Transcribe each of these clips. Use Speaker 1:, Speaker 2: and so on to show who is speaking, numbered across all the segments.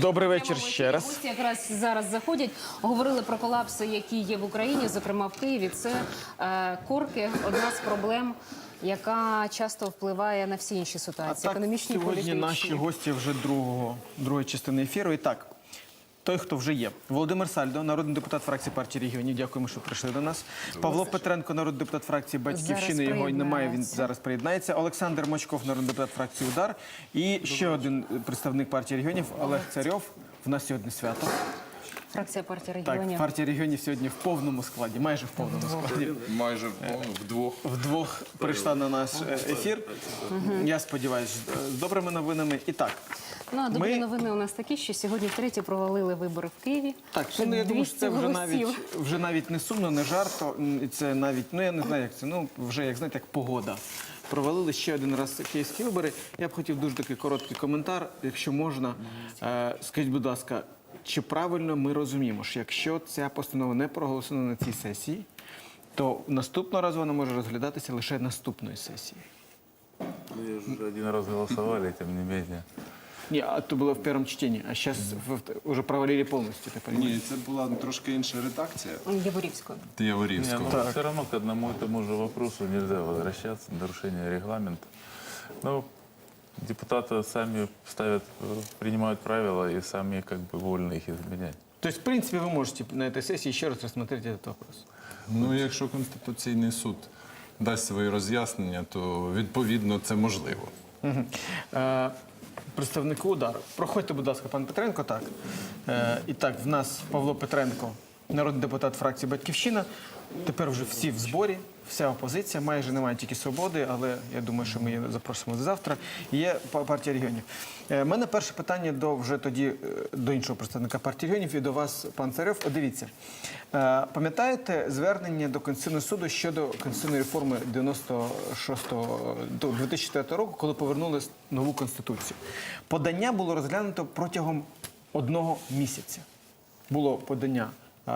Speaker 1: Добрий вечір ще раз.
Speaker 2: Гості якраз зараз заходять, говорили про колапси, які є в Україні, зокрема в Києві. Це корки, одна з проблем, яка часто впливає на всі інші ситуації, економічні, політичні.
Speaker 1: Сьогодні наші гості вже другої частини ефіру. І так, той, хто вже є. Володимир Сальдо, народний депутат фракції партії регіонів. Дякуємо, що прийшли до нас. Павло Петренко, народний депутат фракції «Батьківщини». Його немає, він зараз приєднається. Олександр Мочков, народний депутат фракції «Удар». І ще один представник партії регіонів Олег Царьов. В нас сьогодні свято.
Speaker 2: Фракція партії регіонів.
Speaker 1: Так, партія регіонів сьогодні в повному складі, майже в повному складі.
Speaker 3: Майже вдвох.
Speaker 1: Вдвох прийшла на наш ефір. Я сподіваюся, з добрими новинами. І так.
Speaker 2: Ну, а добрі новини у нас такі, що сьогодні втретє провалили вибори в Києві.
Speaker 1: Так, ну, я думаю, що це вже навіть не сумно, не жарто. Це навіть, ну я не знаю, як це, ну вже, як знаєте, як погода. Провалили ще один раз київські вибори. Я б хотів дуже такий короткий коментар, якщо можна. Скажіть, будь ласка, чи правильно ми розуміємо, що якщо ця постанова не проголосована на цій сесії, то наступного разу вона може розглядатися лише наступної сесії?
Speaker 4: Мы уже один раз голосовали, тем не менее.
Speaker 1: Ні, а то було в першому читанні, а зараз вже провалили повністю.
Speaker 3: Ні, це була трошки інша редакція.
Speaker 2: Яворівською.
Speaker 3: Яворівського.
Speaker 4: Но все равно к одному и тому же вопросу нельзя возвращаться, нарушение регламента. Но депутаты сами принимают правила и сами как бы вольны их изменять.
Speaker 1: Тобто, в принципі, ви можете на цій сесії ще раз розглянути цей вопрос.
Speaker 3: Ну, якщо Конституційний суд дасть свої роз'яснення, то відповідно це можливо.
Speaker 1: Представнику «Удару». Проходьте, будь ласка, пан Петренко. Так. І так, в нас Павло Петренко, народний депутат фракції «Батьківщина». Тепер вже всі в зборі, вся опозиція. Майже немає тільки «Свободи», але я думаю, що ми її запросимо до завтра. Є партія регіонів. У мене перше питання до іншого представника партії регіонів і до вас, пан Царьов. Дивіться, пам'ятаєте звернення до Конституційного суду щодо конституційної реформи 2004 року, коли повернули нову Конституцію? Подання було розглянуто протягом 1 місяця. Було подання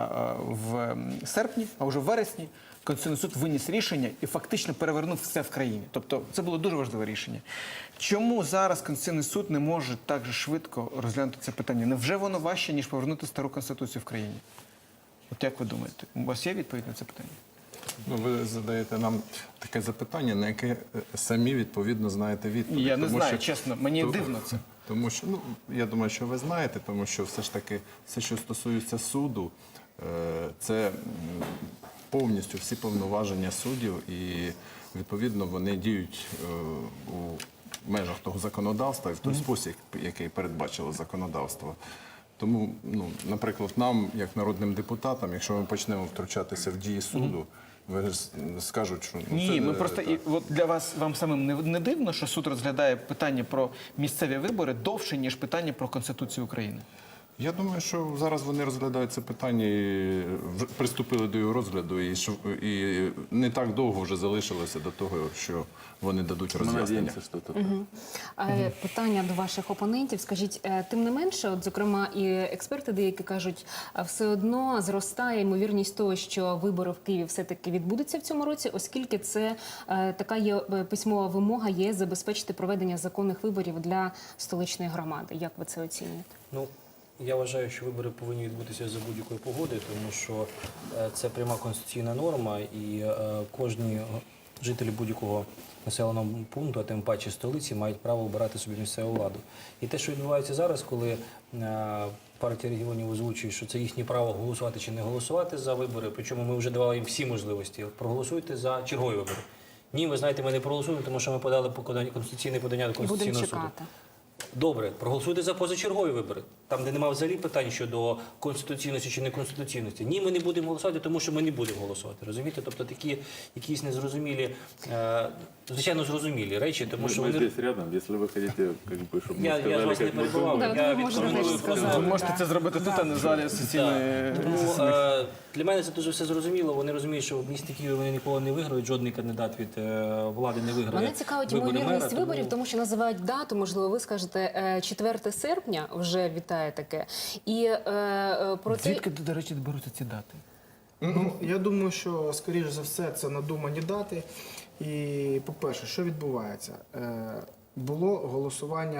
Speaker 1: в серпні, а вже в вересні Конституційний суд виніс рішення і фактично перевернув все в країні. Тобто це було дуже важливе рішення. Чому зараз Конституційний суд не може так же швидко розглянути це питання? Невже воно важче, ніж повернути стару Конституцію в країні? От як ви думаєте? У вас є відповідь на це питання?
Speaker 3: Ну, ви задаєте нам таке запитання, на яке самі відповідно знаєте відповідь.
Speaker 1: Я не знаю, чесно, мені дивно це.
Speaker 3: Тому що, ну, я думаю, що ви знаєте, тому що все ж таки, все, що стосується суду, це повністю всі повноваження суддів і, відповідно, вони діють у межах того законодавства і в той спосіб, який передбачило законодавство. Тому, ну, наприклад, нам, як народним депутатам, якщо ми почнемо втручатися в дії суду, ви скажуть, що... Ну,
Speaker 1: ні, ми просто, от для вас, вам самим не дивно, що суд розглядає питання про місцеві вибори довше, ніж питання про Конституцію України?
Speaker 3: Я думаю, що зараз вони розглядають це питання і приступили до його розгляду, і не так довго вже залишилося до того, що вони дадуть роз'яснення.
Speaker 2: Питання до ваших опонентів. Скажіть, тим не менше, от, зокрема, і експерти деякі кажуть, все одно зростає ймовірність того, що вибори в Києві все-таки відбудуться в цьому році, оскільки це така є письмова вимога є забезпечити проведення законних виборів для столичної громади. Як ви це оцінюєте?
Speaker 5: Ну, я вважаю, що вибори повинні відбутися за будь-якої погоди, тому що це пряма конституційна норма, і кожні жителі будь-якого населеного пункту, а тим паче столиці, мають право обирати собі місцеву владу. І те, що відбувається зараз, коли партія регіонів озвучує, що це їхнє право голосувати чи не голосувати за вибори, причому ми вже давали їм всі можливості. Проголосуйте за чергові вибори. Ні, ви знаєте, ми не проголосуємо, тому що ми подали конституційне подання до Конституційного суду. Добре, проголосуйте за позачергові вибори, там, де немає взагалі питань щодо конституційності чи неконституційності. Ні, ми не будемо голосувати, тому що ми не будемо голосувати. Розумієте? Тобто такі якісь незрозумілі, звичайно, зрозумілі речі, тому що
Speaker 4: ми здесь рядом, якщо ви хочете, щоб ми сказали,
Speaker 5: я вас не перебував, я відкоментую.
Speaker 1: Ви можете це зробити тут, а не в залі сесійної.
Speaker 5: Для мене це дуже все зрозуміло. Вони розуміють, що в місті Києві вони ніколи не виграють, жодний кандидат від влади не виграє.
Speaker 2: Мене цікавить ймовірність виборів, тому що називають дату, можливо, ви скажете 4 серпня, вже вітає таке. І про це...
Speaker 1: Звідки, до речі, беруться ці дати?
Speaker 6: Ну, я думаю, що, скоріш за все, це надумані дати. І, по-перше, що відбувається? Було голосування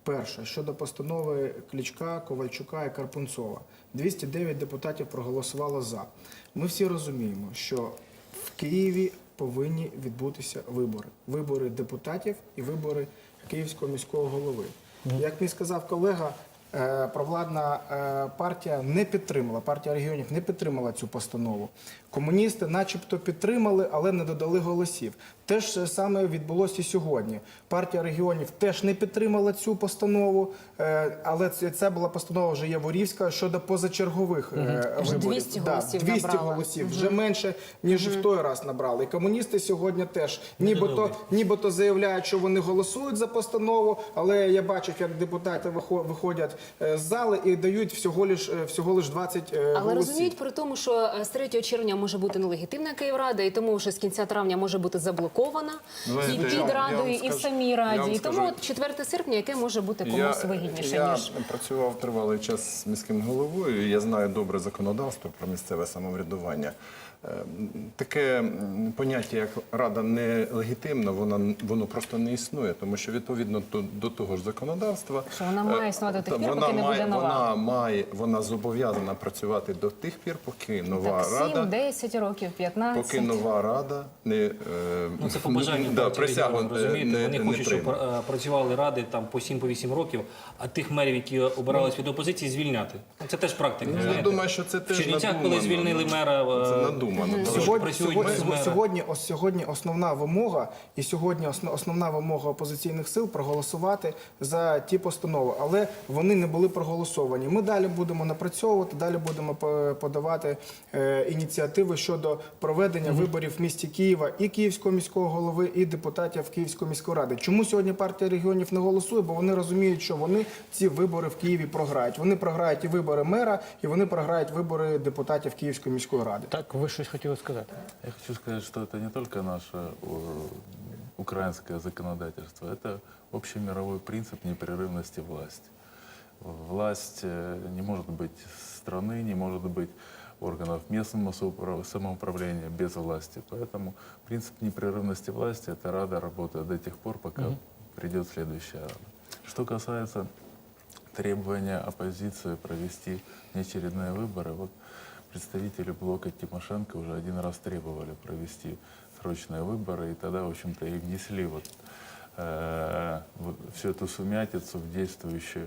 Speaker 6: Перше, щодо постанови Кличка, Ковальчука і Карпунцова. 209 депутатів проголосувало за. Ми всі розуміємо, що в Києві повинні відбутися вибори. Вибори депутатів і вибори Київського міського голови. Як мені сказав колега, провладна партія не підтримала, партія регіонів не підтримала цю постанову. Комуністи начебто підтримали, але не додали голосів. Те ж саме відбулося і сьогодні. Партія регіонів теж не підтримала цю постанову, але це була постанова вже Яворівська щодо позачергових виборів.
Speaker 2: 200 голосів
Speaker 6: 200
Speaker 2: набрала.
Speaker 6: голосів, вже менше, ніж в той раз набрали. І комуністи сьогодні теж нібито заявляють, що вони голосують за постанову, але я бачив, як депутати виходять з зали і дають всього лиш 20
Speaker 2: Але
Speaker 6: голосів.
Speaker 2: розуміють при тому, що з 3 червня може бути нелегітимна Київрада, і тому вже з кінця травня може бути заблокована і під
Speaker 3: я
Speaker 2: Радою,
Speaker 3: вам
Speaker 2: і в
Speaker 3: скажу-
Speaker 2: самій
Speaker 3: я
Speaker 2: Раді.
Speaker 3: вам
Speaker 2: І тому
Speaker 3: скажу-
Speaker 2: от 4 серпня, яке може бути комусь вигідніше,
Speaker 3: я
Speaker 2: ніж...
Speaker 3: працював тривалий час з міським головою, і я знаю добре законодавство про місцеве самоврядування. Таке поняття, як рада нелегітимна, воно просто не існує, тому що відповідно до того ж законодавства,
Speaker 2: Що вона має існувати до тих пір, поки не буде нова.
Speaker 3: вона зобов'язана працювати до тих пір, поки нова
Speaker 2: Так, 7,
Speaker 3: рада,
Speaker 2: 10 років, 15.
Speaker 3: поки нова рада не
Speaker 5: Ну, це побажання партії
Speaker 3: присягу
Speaker 5: регіонів, розумієте? Вони
Speaker 3: не
Speaker 5: хочуть, щоб
Speaker 3: прийме.
Speaker 5: працювали ради там по 7-8 років, а тих мерів, які обирались від опозиції, звільняти. Ну, це теж практика.
Speaker 3: Я
Speaker 5: знаєте.
Speaker 3: думаю, що це
Speaker 5: В
Speaker 3: теж
Speaker 5: Чернівцях,
Speaker 3: надумано.
Speaker 5: коли звільнили мера,
Speaker 3: Це надумано.
Speaker 6: Сьогодні основна вимога і основна вимога опозиційних сил проголосувати за ті постанови, але вони не були проголосовані. Ми далі будемо напрацьовувати, далі будемо подавати ініціативи щодо проведення виборів в місті Києва і Київського міського голови, і депутатів Київської міської ради. Чому сьогодні партія регіонів не голосує? Бо вони розуміють, що вони ці вибори в Києві програють. Вони програють і вибори мера, і вони програють вибори депутатів Київської міської ради.
Speaker 1: Так, ви щось хотіли сказати?
Speaker 4: Я хочу сказать, что это не только наше украинское законодательство, это общемировой принцип непрерывности власти. Власть не может быть страны, не может быть органов местного самоуправления без власти. Поэтому принцип непрерывности власти – это Рада работает до тех пор, пока придет следующая Рада. Что касается требования оппозиции провести неочередные выборы, вот представители блока Тимошенко уже один раз требовали провести срочные выборы, и тогда, в общем-то, и внесли вот всю эту сумятицу в действующее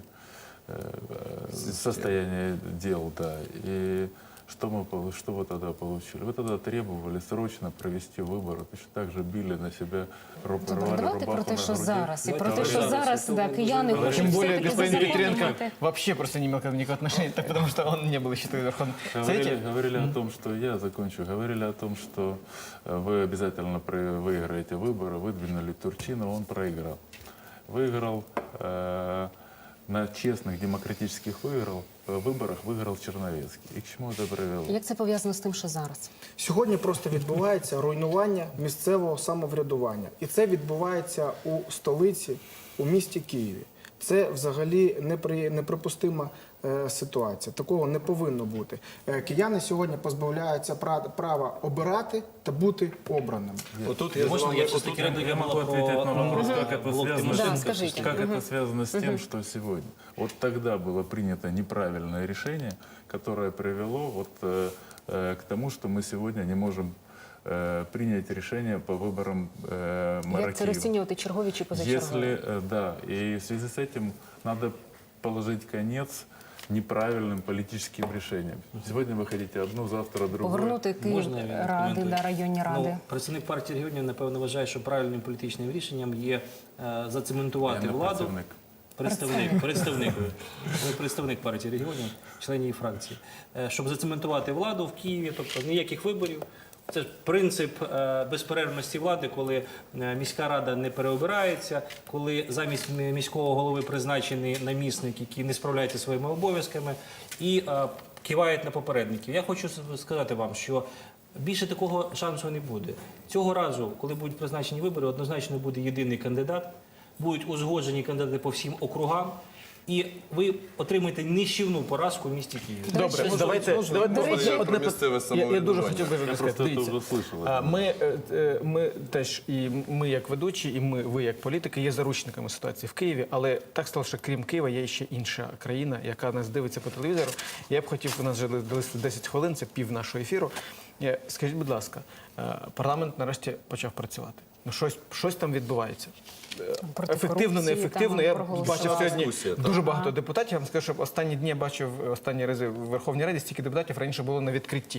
Speaker 4: состояние дел, да. И что вы тогда получили? Вы тогда требовали срочно провести выборы, точно так же били на себя,
Speaker 2: Добре,
Speaker 4: рвали
Speaker 2: давайте про
Speaker 4: рубаху
Speaker 2: те,
Speaker 4: на
Speaker 2: що
Speaker 4: груди.
Speaker 2: зараз, і про те,
Speaker 5: Давайте
Speaker 2: що
Speaker 5: зараз.
Speaker 2: зараз да, кияни
Speaker 5: Тим
Speaker 2: хочуть
Speaker 1: Тем более
Speaker 2: все-таки
Speaker 1: господин Петренко
Speaker 2: зазаконювати.
Speaker 1: вообще просто не имел к этому никакого отношения, так потому что он не был еще тогда Верховным Совете.
Speaker 4: Говорили о том, что я закончу. Говорили о том, что вы обязательно выиграете выборы, выдвинули Турчинова, он проиграл. Выиграл на честных демократических выборах выиграл Черновецкий. И к чему это привело?
Speaker 2: Як це пов'язано з тим, що зараз?
Speaker 6: Сьогодні просто відбувається руйнування місцевого самоврядування. І це відбувається у столиці, у місті Києві. Це взагалі неприпустима ситуація. Такого не повинно бути. Кияни сьогодні позбавляються права обирати та бути обраними.
Speaker 3: Отут я з
Speaker 5: Можна
Speaker 3: вами-
Speaker 5: я все-таки
Speaker 4: Я могу ответить на вопрос, как это
Speaker 5: блок
Speaker 4: связано,
Speaker 5: Тимошенко?
Speaker 2: Да, скажите.
Speaker 4: как это связано с тем, что сегодня. Вот тогда было принято неправильное решение, которое привело вот, к тому, что мы сегодня не можем принять решение по выборам мэра
Speaker 2: Як це
Speaker 4: Киева.
Speaker 2: розцінювати, чергові чи позачергові?
Speaker 4: Если, да, и в связи с этим надо положить конец неправильным политическим решениям. Сегодня вы хотите одну, завтра другую.
Speaker 2: Повернути Київ
Speaker 5: Можна я
Speaker 2: ради,
Speaker 5: відкоментую?
Speaker 2: да, районні ради.
Speaker 5: Ну, представник партії регіонів, напевно, вважає, що правильним політичним рішенням є зацементувати
Speaker 4: Я не
Speaker 5: владу.
Speaker 4: представник.
Speaker 5: Представник партії регіонів, член її фракції. Щоб зацементувати владу в Києві, тобто ніяких виборів. Це ж принцип безперервності влади, коли міська рада не переобирається, коли замість міського голови призначений намісник, який не справляється зі своїми обов'язками, і кивають на попередників. Я хочу сказати вам, що більше такого шансу не буде. Цього разу, коли будуть призначені вибори, однозначно буде єдиний кандидат, будуть узгоджені кандидати по всім округам. І ви отримаєте нищівну поразку в місті Києві.
Speaker 1: Добре, давайте одне
Speaker 3: місцеве
Speaker 1: Я дуже
Speaker 3: самоврядування.
Speaker 1: хотів би
Speaker 4: Я
Speaker 1: сказати.
Speaker 4: просто это
Speaker 1: Дивіться,
Speaker 4: уже слышал.
Speaker 1: ми теж, і ми як ведучі, і ви як політики є заручниками ситуації в Києві, але так стало, що крім Києва є ще інша країна, яка нас дивиться по телевізору. Я б хотів, у нас вже залишилось 10 хвилин, це пів нашого ефіру. Скажіть, будь ласка, парламент нарешті почав працювати. Ну, щось там відбувається.
Speaker 2: Проти
Speaker 1: Ефективно,
Speaker 2: корупції
Speaker 1: неефективно.
Speaker 2: там
Speaker 1: Я
Speaker 2: проголосували.
Speaker 1: бачив сьогодні
Speaker 3: Дискусія, так.
Speaker 1: дуже багато депутатів. Я вам скажу, що останні дні я бачив останні рази в Верховній Раді стільки депутатів раніше було на відкритті.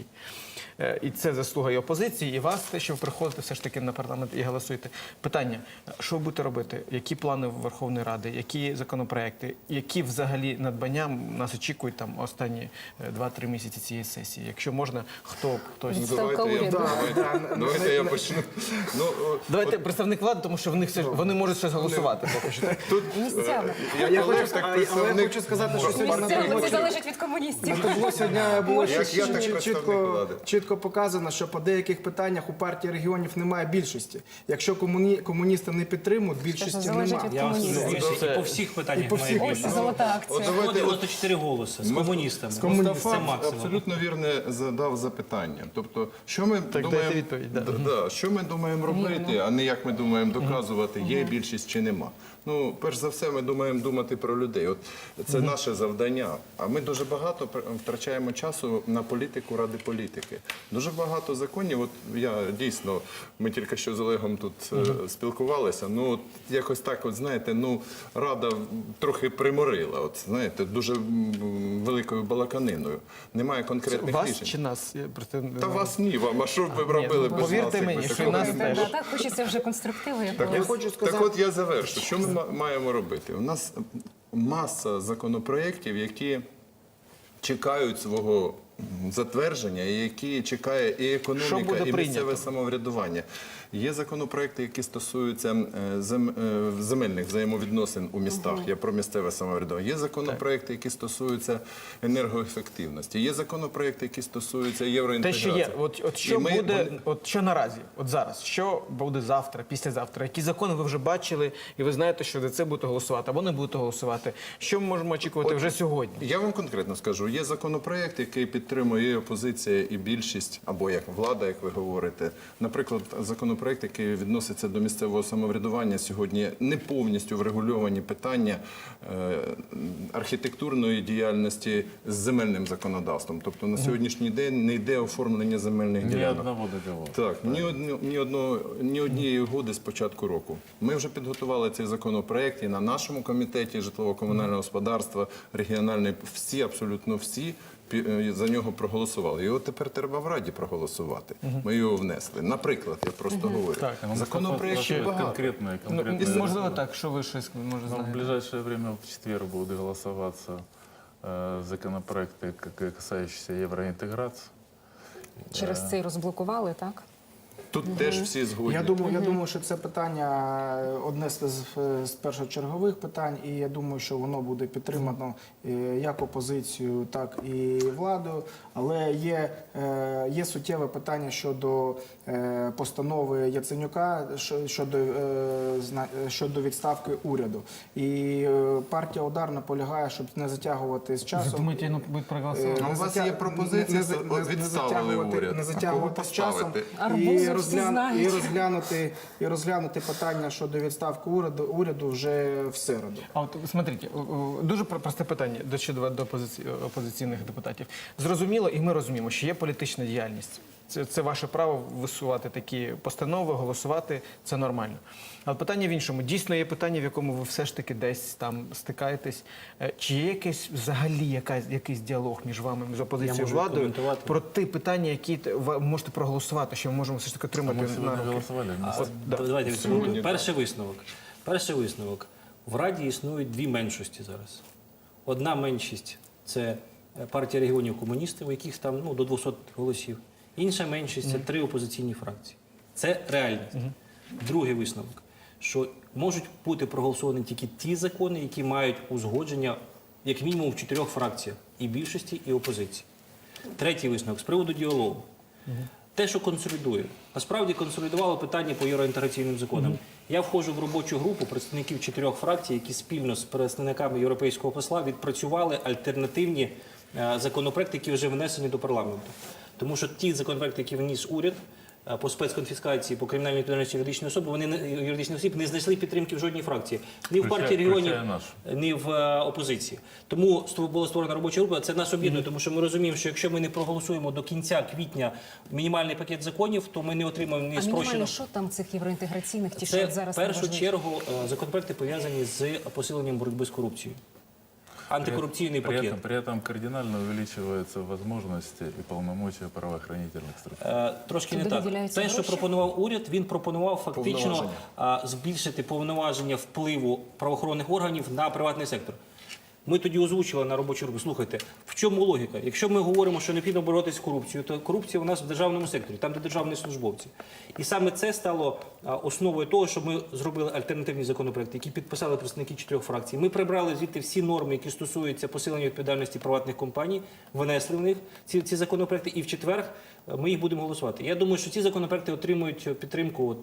Speaker 1: І це заслуга і опозиції, і вас, те, що ви приходите все ж таки на парламент і голосуєте. Питання, що ви будете робити? Які плани Верховної Ради, які законопроекти, які взагалі надбання нас очікують там останні 2-3 місяці цієї сесії? Якщо можна, хтось...
Speaker 2: Відставка
Speaker 3: Давайте
Speaker 2: уряду.
Speaker 3: Давайте я почну.
Speaker 1: Давайте представник влади, тому що в них вони можуть щось голосувати поки що.
Speaker 3: Тут
Speaker 2: Місцями.
Speaker 6: Я
Speaker 3: Олег,
Speaker 6: хочу,
Speaker 3: так
Speaker 6: але я
Speaker 3: представник
Speaker 6: хочу сказати, що сьогодні на
Speaker 2: Місцями, це
Speaker 6: табло
Speaker 2: залежить від комуністів.
Speaker 6: сьогодні було
Speaker 3: Як я, так представник влади.
Speaker 6: чітко показано, що по деяких питаннях у партії регіонів немає більшості. Якщо комуністи не підтримують, більшості
Speaker 2: залежить
Speaker 6: немає.
Speaker 2: від
Speaker 5: Я вам
Speaker 2: комуністів.
Speaker 5: скажу, і по всіх питаннях
Speaker 6: по всіх
Speaker 5: має
Speaker 2: Ось
Speaker 5: більше.
Speaker 2: золота акція.
Speaker 5: 194 голоси з комуністами.
Speaker 3: Мустафа
Speaker 5: Це максимум.
Speaker 3: абсолютно вірне задав запитання. Тобто, що ми
Speaker 1: дайте
Speaker 3: думаємо,
Speaker 1: відповідь, да.
Speaker 3: що ми думаємо робити, а не як ми думаємо доказувати, є більшість чи нема. Ну, перш за все, ми думаємо думати про людей. От це наше завдання. А ми дуже багато втрачаємо часу на політику ради політики. Дуже багато законів. От я дійсно, ми тільки що з Олегом тут спілкувалися. Ну, от якось так, от знаєте, ну рада трохи приморила. От знаєте, дуже великою балаканиною. Немає конкретних
Speaker 1: Вас
Speaker 3: рішень.
Speaker 1: чи нас? Я просто не
Speaker 3: Та
Speaker 1: знаю.
Speaker 3: вас ні, вам. А що б ви робили без нас?
Speaker 1: повірте
Speaker 3: якби
Speaker 1: мені, що
Speaker 3: такого
Speaker 1: і нас
Speaker 3: не
Speaker 1: теж.
Speaker 3: було?
Speaker 2: Так хочеться вже конструктиву
Speaker 3: Так,
Speaker 2: якогось.
Speaker 6: Я хочу сказати-
Speaker 3: так от я завершу. Що ми маємо робити? У нас маса законопроєктів, які чекають свого затвердження, і які чекає і
Speaker 1: Що
Speaker 3: економіка,
Speaker 1: буде
Speaker 3: і місцеве
Speaker 1: прийнято?
Speaker 3: самоврядування. Є законопроекти, які стосуються земельних взаємовідносин у містах. Я про місцеве самоврядування. Є законопроекти, які стосуються енергоефективності. Є законопроекти, які стосуються
Speaker 1: Те,
Speaker 3: євроінтеграції.
Speaker 1: що є, от що
Speaker 3: І ми-
Speaker 1: буде, от що наразі, от зараз, що буде завтра, післязавтра, які закони ви вже бачили, і ви знаєте, що за це будете голосувати, або не будете голосувати. Що ми можемо очікувати вже сьогодні?
Speaker 3: Я вам конкретно скажу, є законопроект, який підтримує і опозиція, і більшість, або як влада, як ви говорите. Наприклад, законопроект, який відноситься до місцевого самоврядування, сьогодні не повністю врегульовані питання архітектурної діяльності з земельним законодавством. Тобто на сьогоднішній день не йде оформлення земельних
Speaker 4: Ни
Speaker 3: ділянок.
Speaker 4: одного договора.
Speaker 3: Так, ні однієї угоди з початку року. Ми вже підготували цей законопроект і на нашому комітеті житлово-комунального господарства, регіональний, всі, абсолютно всі за нього проголосували. Його тепер треба в Раді проголосувати. Ми його внесли. Наприклад, я просто говорю.
Speaker 1: Так,
Speaker 3: Законопроектів багато.
Speaker 4: Конкретные
Speaker 1: Можливо, так, що ви щось може
Speaker 4: Ну, в
Speaker 1: знаєте?
Speaker 4: ближайшее время, в четверг, будут голосоваться законопроекты, касающиеся евроинтеграции.
Speaker 2: Через це й розблокували, так?
Speaker 3: Тут теж всі згодні.
Speaker 6: Я думаю, що це питання одне з першочергових питань, і я думаю, що воно буде підтримано як опозицією, так і владою. Але є суттєве питання щодо постанови Яценюка щодо відставки уряду. І партія «Удар» наполягає, щоб не затягувати з часом.
Speaker 1: Думаєте, ну будуть проголосувати?
Speaker 3: А у вас є пропозиція, відставили уряд.
Speaker 6: Не
Speaker 3: А
Speaker 6: затягувати
Speaker 3: кого
Speaker 6: з часом
Speaker 3: поставити?
Speaker 2: Арбузов всі знають.
Speaker 6: і розглянути питання щодо відставки уряду вже в середу.
Speaker 1: А от смотрите, дуже просте питання до опозиційних депутатів. Зрозуміло, і ми розуміємо, що є політична діяльність. Це ваше право висувати такі постанови, голосувати, це нормально. Але питання в іншому. Дійсно є питання, в якому ви все ж таки десь там стикаєтесь. Чи є якийсь взагалі якийсь діалог між вами, з опозицією і
Speaker 5: можу
Speaker 1: владою
Speaker 5: коментувати.
Speaker 1: про ті питання, які ви можете проголосувати, що ми можемо все ж таки
Speaker 4: А
Speaker 1: отримати
Speaker 4: мы
Speaker 1: на
Speaker 4: сегодня
Speaker 1: руки?
Speaker 4: голосовали.
Speaker 5: Давайте відсунемо. Перший висновок. В Раді існують дві меншості зараз. Одна меншість – це партія регіонів комуністів, у яких там до 200 голосів. Інша меншість – це 3 опозиційні фракції. Це реальність. Другий висновок, що можуть бути проголосовані тільки ті закони, які мають узгодження як мінімум в 4 фракціях – і більшості, і опозиції. Третій висновок з приводу діалогу. те, що консолідує. Насправді консолідувало питання по євроінтеграційним законам. Я входжу в робочу групу представників 4 фракцій, які спільно з представниками європейського посла відпрацювали альтернативні законопроекти, які вже внесені до парламенту. Тому що ті законопроекти, які вніс уряд по спецконфіскації, по кримінальній відповідальності юридичної особи, юридичних осіб не знайшли підтримки в жодній фракції. Ні в партії регіонів, ні в опозиції. Тому була створена робоча група. Це нас об'єднує, тому що ми розуміємо, що якщо ми не проголосуємо до кінця квітня мінімальний пакет законів, то ми не отримаємо ні
Speaker 2: А мінімально
Speaker 5: спрощеного.
Speaker 2: що там цих євроінтеграційних, ті,
Speaker 5: Це
Speaker 2: що зараз
Speaker 5: в першу
Speaker 2: найважливіше?
Speaker 5: чергу законопроекти пов'язані з посиленням боротьби з корупцією. Антикорупційний пакет.
Speaker 4: При этом кардинально увеличиваются возможности и полномочия правоохранительных структур.
Speaker 5: Трошки не
Speaker 2: Туди
Speaker 5: так.
Speaker 2: виділяються
Speaker 5: Те, що
Speaker 2: гроші?
Speaker 5: пропонував уряд, він пропонував фактично збільшити повноваження впливу правоохоронних органів на приватний сектор. Ми тоді озвучили на робочу групу, слухайте, в чому логіка? Якщо ми говоримо, що необхідно боротися з корупцією, то корупція у нас в державному секторі, там, де державні службовці. І саме це стало основою того, що ми зробили альтернативні законопроекти, які підписали представники 4 фракцій. Ми прибрали звідти всі норми, які стосуються посилення відповідальності приватних компаній, внесли в них ці законопроекти, і в четвер ми їх будемо голосувати. Я думаю, що ці законопроекти отримують підтримку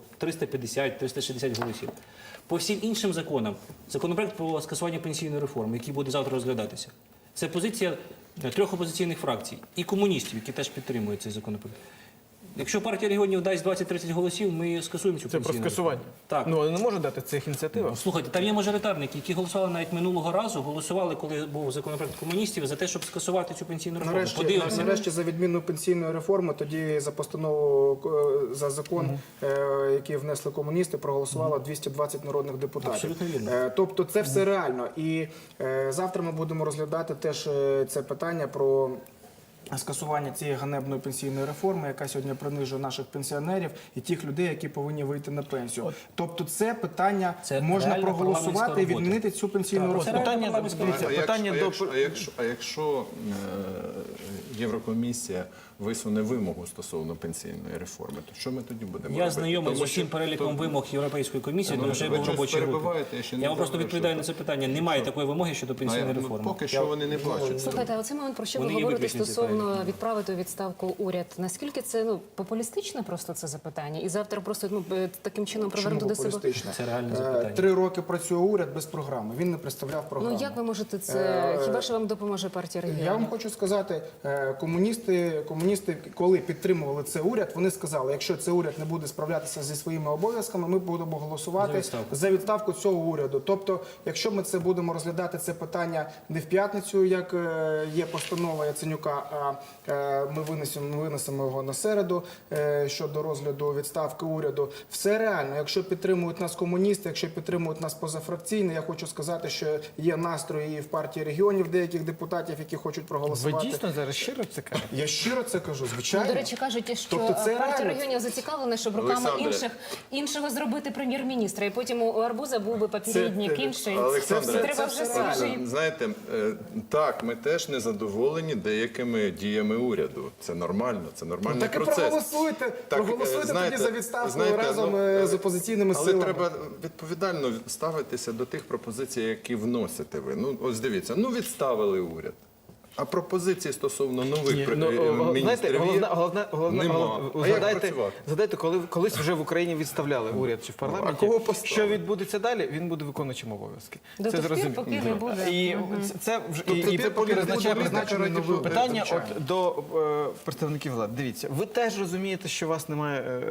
Speaker 5: 350-360 голосів. По всім іншим законам, законопроект про скасування пенсійної реформи, який буде завтра розглядатися, це позиція 3 опозиційних фракцій і комуністів, які теж підтримують цей законопроект. Якщо партія регіонів дасть 20-30 голосів, ми скасуємо цю
Speaker 1: Це про
Speaker 5: пенсійну
Speaker 1: скасування.
Speaker 5: реформу. Так.
Speaker 1: Ну, вони не можуть дати цих ініціатив.
Speaker 5: Слухайте, там є мажоритарники, які голосували навіть минулого разу, голосували, коли був законопроект комуністів, за те, щоб скасувати цю пенсійну реформу.
Speaker 6: Нарешті за відміну пенсійної реформи, тоді за постанову, за закон, який внесли комуністи, проголосувало 220 народних депутатів.
Speaker 5: Абсолютно вірно.
Speaker 6: Тобто це все реально. І завтра ми будемо розглядати теж це питання про скасування цієї ганебної пенсійної реформи, яка сьогодні принижує наших пенсіонерів і тих людей, які повинні вийти на пенсію. Тобто це питання
Speaker 5: Це
Speaker 6: можна
Speaker 5: реальна
Speaker 6: проголосувати і
Speaker 5: парламентська
Speaker 6: відмінити цю пенсійну
Speaker 5: Так,
Speaker 6: реформу.
Speaker 1: Питання, дивіться, питання до...
Speaker 3: якщо Єврокомісія висуне вимогу стосовно пенсійної реформи, то що ми тоді будемо робити?
Speaker 5: Я знайомий з
Speaker 3: Тому що
Speaker 5: усім переліком вимог Європейської комісії,
Speaker 3: Ну,
Speaker 5: тому що я
Speaker 3: ви
Speaker 5: був в
Speaker 3: щось
Speaker 5: робочій групі.
Speaker 3: перебиваєте, я ще не
Speaker 5: Я вам просто
Speaker 3: говорю,
Speaker 5: відповідаю
Speaker 3: що-
Speaker 5: на це питання. Немає такої вимоги щодо пенсійної
Speaker 3: Ну,
Speaker 5: реформи.
Speaker 3: поки що вони не бачать.
Speaker 2: Слухайте, а оцей момент, про що ви
Speaker 5: Вони є
Speaker 2: говорите
Speaker 5: виключні
Speaker 2: стосовно відправити у відставку уряд, наскільки це популістичне просто це запитання? І завтра просто таким чином привернути до себе?
Speaker 6: Популістичне.
Speaker 5: Це реальне запитання.
Speaker 6: 3 роки працює уряд без програми. Він не представляв програму.
Speaker 2: Ну як ви можете це? Хіба що вам допоможе партія регіонів?
Speaker 6: Я вам хочу сказати, комуністи, коли підтримували цей уряд, вони сказали, якщо цей уряд не буде справлятися зі своїми обов'язками, ми будемо голосувати за відставку цього уряду. Тобто, якщо ми це будемо розглядати це питання не в п'ятницю, як є постанова Яценюка, а ми винесемо його на середу щодо розгляду відставки уряду. Все реально. Якщо підтримують нас комуністи, якщо підтримують нас позафракційні, я хочу сказати, що є настрої і в партії регіонів деяких депутатів, які хочуть
Speaker 1: Ви
Speaker 6: проголосувати.
Speaker 1: дійсно зараз щиро це кажете?
Speaker 6: Я щиро це кажу, звичайно.
Speaker 2: До речі, кажуть, що
Speaker 6: Тобто це
Speaker 2: партія
Speaker 6: реально.
Speaker 2: регіонів зацікавлена, щоб руками іншого зробити прем'єр-міністра. І потім у Арбуза був би попередник інший.
Speaker 3: Олександре,
Speaker 2: Треба вже свіжий.
Speaker 3: Знаєте, так, ми теж не задоволені деякими діями уряду. Це нормально, це нормальний
Speaker 6: Так і
Speaker 3: процес.
Speaker 6: проголосуйте
Speaker 3: знаєте,
Speaker 6: тоді за відставку
Speaker 3: знаєте,
Speaker 6: разом з опозиційними
Speaker 3: Але
Speaker 6: силами.
Speaker 3: треба відповідально ставитися до тих пропозицій, які вносите ви. Ну, ось дивіться, відставили уряд. А пропозиції стосовно нових міністрів є? Нема. А як працювати?
Speaker 1: Згадайте, коли колись вже в Україні відставляли уряд чи в парламенті,
Speaker 3: кого поставили?
Speaker 1: що відбудеться далі, він буде виконуючим обов'язки.
Speaker 2: До тих пір, поки не буде.
Speaker 1: І це вже
Speaker 3: Тобто
Speaker 1: і
Speaker 3: ти
Speaker 1: поки визначає
Speaker 6: призначений новий уряд,
Speaker 1: питання
Speaker 6: звичайно.
Speaker 1: от до представників влади. Дивіться, ви теж розумієте, що у вас немає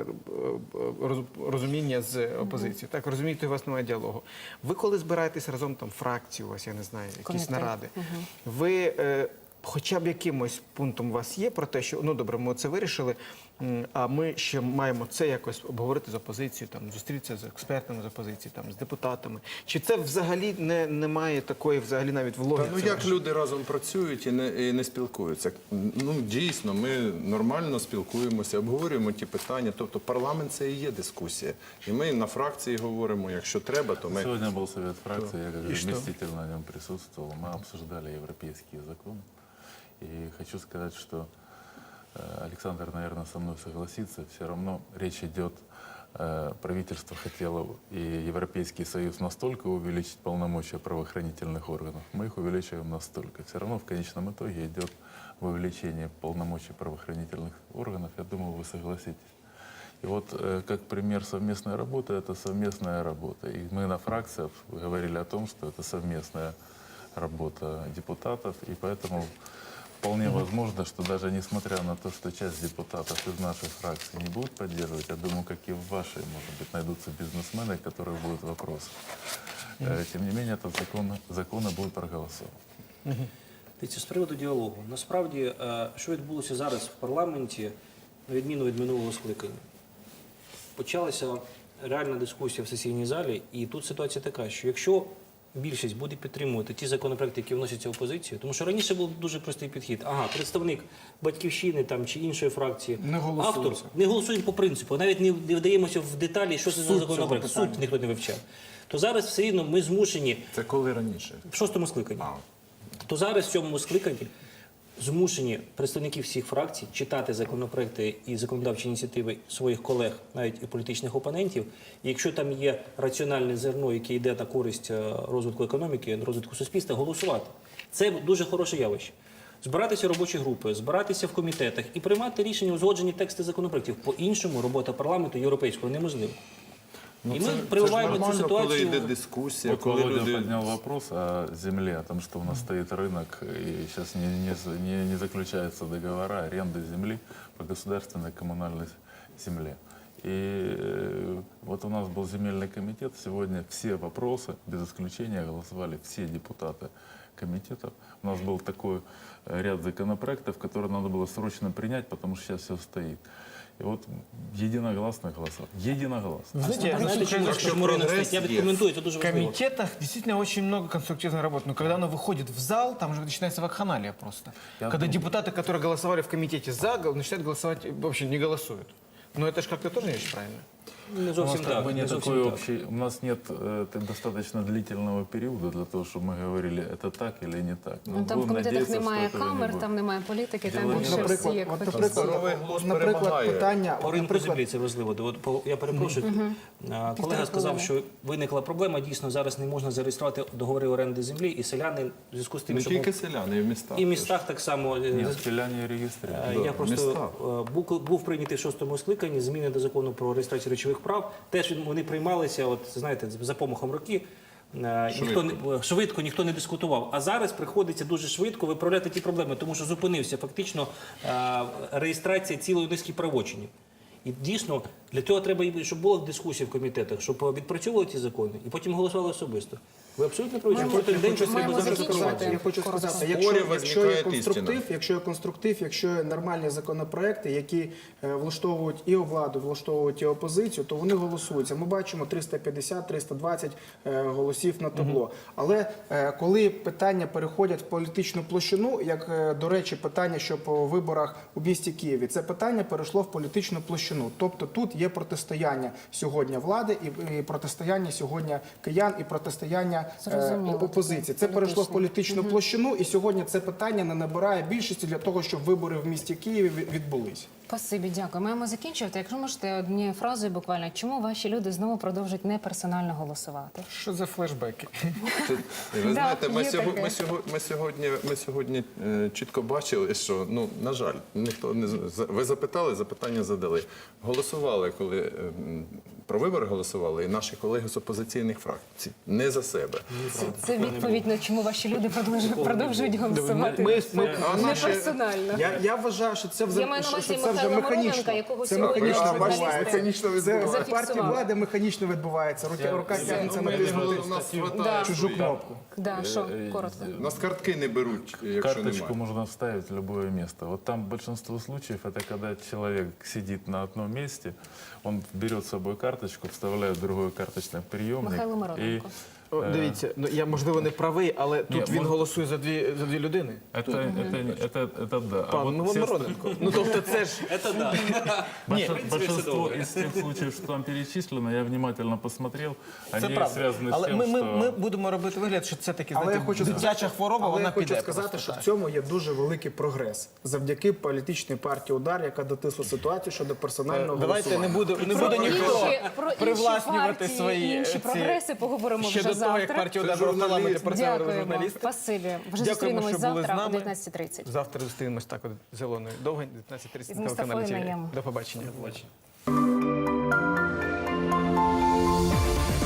Speaker 1: розуміння з опозицією. Так, розумієте, у вас немає діалогу. Ви коли збираєтесь разом там фракцію, у вас, я не знаю, якісь
Speaker 2: Комітет.
Speaker 1: наради, ви хоча б якимось пунктом у вас є про те, що ну добре, ми це вирішили, а ми ще маємо це якось обговорити з опозицією, там зустрітися з експертами з опозиції, там з депутатами. Чи це взагалі немає такої, взагалі навіть в логіці?
Speaker 3: Ну як люди разом працюють і не спілкуються? Ну дійсно, ми нормально спілкуємося, обговорюємо ті питання. Тобто парламент це і є дискусія. І ми на фракції говоримо, якщо треба, то ми...
Speaker 4: Сегодня был совет фракции, я как заместитель на нем присутствовал. Мы обсуждали европейские законы. И хочу сказать, что Александр, наверное, со мной согласится. Все равно речь идет правительство хотело и Европейский Союз настолько увеличить полномочия правоохранительных органов, мы их увеличиваем настолько. Все равно в конечном итоге идет увеличение полномочий правоохранительных органов. Я думаю, вы согласитесь. И вот как пример совместной работы, это совместная работа. И мы на фракциях говорили о том, что это совместная работа депутатов, и поэтому вполне возможно, что даже несмотря на то, что часть депутатов из нашей фракции не будут поддерживать, я думаю, как и в вашей, может быть, найдутся бизнесмены, которые будут вопросы. Тем не менее, этот закон и будет проголосован.
Speaker 5: Дивіться, з приводу діалогу. Насправді, що відбулося зараз в парламенті, на відміну від минулого скликання? Почалася реальна дискусія в сесійній залі, і тут ситуація така, що якщо більшість буде підтримувати ті законопроекти, які вносяться опозицією, тому що раніше був дуже простий підхід. Ага, представник «Батьківщини» там, чи іншої фракції,
Speaker 6: Не голосується.
Speaker 5: автор, не голосують по принципу, навіть не вдаємося в деталі, що це за законопроект, суд ніхто не вивчав. То зараз все рівно ми змушені
Speaker 3: Це коли раніше?
Speaker 5: в шостому скликанні. То зараз в цьому скликанні змушені представники всіх фракцій читати законопроекти і законодавчі ініціативи своїх колег, навіть і політичних опонентів. І якщо там є раціональне зерно, яке йде на користь розвитку економіки, розвитку суспільства, голосувати. Це дуже хороше явище. Збиратися в робочі групи, збиратися в комітетах і приймати рішення, узгоджені тексти законопроектів. По-іншому робота парламенту європейського неможлива. І ми прививаємо цю
Speaker 3: коли
Speaker 5: ситуацію.
Speaker 3: йде дискусія,
Speaker 4: Вот
Speaker 3: коли
Speaker 4: Володя
Speaker 3: люди...
Speaker 4: поднял вопрос о земле, о том, что у нас стоит рынок, и сейчас не заключаются договора аренды земли по государственной коммунальной земле. И вот у нас был земельный комитет, сегодня все вопросы, без исключения, голосовали все депутаты комитетов. У нас был такой ряд законопроектов, которые надо было срочно принять, потому что сейчас все стоит. И вот единогласно голосовали. Единогласно.
Speaker 1: Знаете,
Speaker 5: Знаєте, чому ринок стоїть? Я відкоментую, це дуже
Speaker 1: в
Speaker 5: важливо.
Speaker 1: комитетах действительно очень много конструктивной работы. Но когда оно выходит в зал, там уже начинается вакханалия просто. Когда депутаты, которые голосовали в комитете за, начинают голосовать, вообще не голосуют. Но это же как-то тоже не очень правильно.
Speaker 5: Не
Speaker 4: У нас
Speaker 5: зовсім
Speaker 4: как
Speaker 5: так.
Speaker 4: бы
Speaker 5: Не
Speaker 4: не
Speaker 5: зовсім
Speaker 4: такой
Speaker 5: так.
Speaker 4: общий, у нас нет достаточно длительного периода для того, чтобы мы говорили, это так или не так.
Speaker 2: Ну, там в
Speaker 4: будем
Speaker 2: комітетах
Speaker 4: надеяться,
Speaker 2: немає
Speaker 4: что этого не
Speaker 2: камер,
Speaker 4: будет.
Speaker 2: там немає політики, там
Speaker 4: Діло
Speaker 2: більше
Speaker 4: не
Speaker 2: всі як
Speaker 3: Здоровий глузд
Speaker 6: наприклад,
Speaker 3: перемагає.
Speaker 6: питання...
Speaker 5: По ринку землі це важливо. Я перепрошую. Колега сказав, що виникла проблема. Дійсно, зараз не можна зареєструвати договори оренди землі, і селяни в зв'язку з тим,
Speaker 3: Не
Speaker 5: що
Speaker 3: тільки селяни, і в містах.
Speaker 5: і в містах так само.
Speaker 4: Нет, селяне регистрируют.
Speaker 5: Я просто був прийнятий в шостому скликанні зміни до закону про реєстрацію речових прав. Теж вони приймалися, от знаєте, за помахом роки. Швидко ніхто не дискутував. А зараз приходиться дуже швидко виправляти ті проблеми, тому що зупинився фактично реєстрація цілої низки правочинів. І дійсно для цього треба, щоб була дискусія в комітетах, щоб відпрацьовували ці закони і потім голосували особисто. Ви абсолютно праві, що кожен день щось треба
Speaker 2: маємо
Speaker 5: закривати.
Speaker 2: закінчувати.
Speaker 6: Я хочу сказати,
Speaker 3: Спорів
Speaker 6: якщо є
Speaker 3: возникає
Speaker 6: конструктив, якщо є нормальні законопроекти, які влаштовують і владу, влаштовують і опозицію, то вони голосуються. Ми бачимо 350-320 голосів на табло. Але коли питання переходять в політичну площину, як, до речі, питання, що по виборах у місті Києві, це питання перейшло в політичну площину. Тобто тут є протистояння сьогодні влади і протистояння сьогодні киян, і протистояння
Speaker 2: Зрозуміло.
Speaker 6: опозиції. Це перейшло в політичну площину, і сьогодні це питання не набирає більшості для того, щоб вибори в місті Києві відбулись.
Speaker 2: Спасибі, дякую. Маємо закінчувати. Якщо можете однією фразою буквально, чому ваші люди знову продовжують неперсонально голосувати?
Speaker 1: Что за флешбеки?
Speaker 3: Ви знаєте,
Speaker 2: є таке.
Speaker 3: ми сьогодні чітко бачили, що, ну, на жаль, ніхто не ви запитали, запитання задали. Голосували, коли про вибори голосували, і наші колеги з опозиційних фракцій. Не за себе.
Speaker 2: Це відповідь на чому ваші люди продовжують голосувати. Не персонально.
Speaker 6: Я вважаю, що це
Speaker 2: Я маю на увазі
Speaker 6: вже
Speaker 2: Михайла
Speaker 6: механічно.
Speaker 2: Моровенка, якого
Speaker 6: Це
Speaker 2: сьогодні
Speaker 6: механічно
Speaker 2: журналісти
Speaker 6: відбувається. Це в партії
Speaker 2: зафіксували.
Speaker 6: влади механічно відбувається. Рука тягнеться натиснути
Speaker 3: У нас
Speaker 2: Да.
Speaker 6: чужу кнопку.
Speaker 2: Да, що, коротко.
Speaker 3: У нас картки не беруть, якщо
Speaker 4: Карточку
Speaker 3: немає.
Speaker 4: можно вставить в любое место. Вот там большинство случаев это когда человек сидит на одном месте, он берет с собой карточку, вставляет в другой карточный приемник
Speaker 2: Михайло
Speaker 4: и
Speaker 2: Моровенко.
Speaker 1: О, дивіться, ну я можливо не правий, але тут він голосує за дві людини.
Speaker 4: Это да. А
Speaker 1: Пан
Speaker 4: вот все
Speaker 1: Мироненко. Ну тобто це ж
Speaker 4: большинство из тех случаев, что там перечислено, я внимательно посмотрел,
Speaker 1: це
Speaker 4: они
Speaker 1: правда.
Speaker 4: связаны с
Speaker 1: Але
Speaker 4: тем,
Speaker 1: ми
Speaker 4: что...
Speaker 1: будемо робити вигляд, що це таки
Speaker 6: Але
Speaker 1: знаєте,
Speaker 6: я хочу
Speaker 1: дитяча хвороба,
Speaker 6: Але
Speaker 1: вона
Speaker 6: я хочу
Speaker 1: піде.
Speaker 6: сказати,
Speaker 1: просто
Speaker 6: що
Speaker 1: так.
Speaker 6: в цьому є дуже великий прогрес завдяки політичній партії «Удар», яка дотисла ситуацію щодо персонального
Speaker 1: Давайте не
Speaker 6: голосування.
Speaker 1: буде ніхто
Speaker 2: Про інші
Speaker 1: привласнювати
Speaker 2: партії,
Speaker 1: свої
Speaker 2: інші
Speaker 1: ці-
Speaker 2: прогреси поговоримо
Speaker 1: ще
Speaker 2: вже
Speaker 1: до того, як
Speaker 2: завтра.
Speaker 1: партія «Удар» в парламенті працювали
Speaker 2: Дякуємо.
Speaker 1: журналісти.
Speaker 2: Спасибі. Вже
Speaker 1: Дякуємо,
Speaker 2: зустрінемось
Speaker 1: що були з
Speaker 2: завтра о
Speaker 1: нами.
Speaker 2: 19:30.
Speaker 1: Завтра зустрінемось так от зеленою довгень, 19:30
Speaker 2: Із
Speaker 1: на телеканалі
Speaker 2: Мустафою
Speaker 1: ТВ.
Speaker 2: Найєм.
Speaker 1: До побачення.
Speaker 5: Бачите.